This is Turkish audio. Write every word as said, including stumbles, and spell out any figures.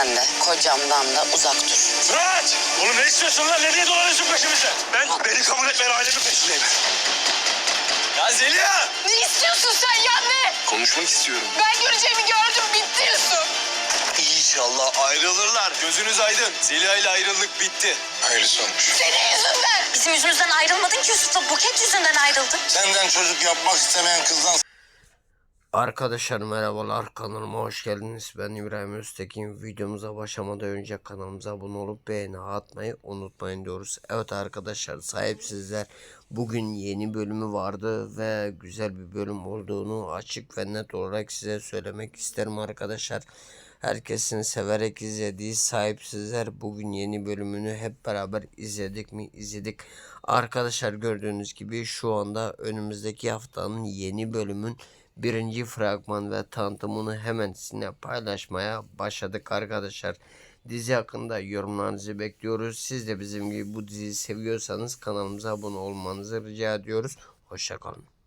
Eşimden de, kocamdan da uzak dur. Fırat! Oğlum ne istiyorsun lan? Ne diye dolanıyorsun peşimizde? Ben beni kabul etmeyen ailemin peşindeyim. Ya Zeliha! Ne istiyorsun sen ya ne? Konuşmak istiyorum. Ben göreceğimi gördüm, bitti Yusuf. İnşallah ayrılırlar. Gözünüz aydın. Zeliha ile ayrılık bitti. Hayırlısı olmuş. Senin yüzünden. Bizim yüzümüzden ayrılmadın ki Yusuf'la, Buket yüzünden ayrıldın. Senden çocuk yapmak istemeyen kızdan... Arkadaşlar merhabalar, kanalıma hoş geldiniz. Ben İbrahim Öztekin. Videomuza başlamadan önce kanalımıza abone olup beğeni atmayı unutmayın diyoruz. Evet arkadaşlar, sahipsizler bugün yeni bölümü vardı ve güzel bir bölüm olduğunu açık ve net olarak size söylemek isterim arkadaşlar. Herkesin severek izlediği Sahipsizler bugün yeni bölümünü hep beraber izledik mi? İzledik. Arkadaşlar gördüğünüz gibi şu anda önümüzdeki haftanın yeni bölümün birinci fragman ve tanıtımını hemen sizinle paylaşmaya başladık arkadaşlar. Dizi hakkında yorumlarınızı bekliyoruz. Siz de bizim gibi bu diziyi seviyorsanız kanalımıza abone olmanızı rica ediyoruz. Hoşça kalın.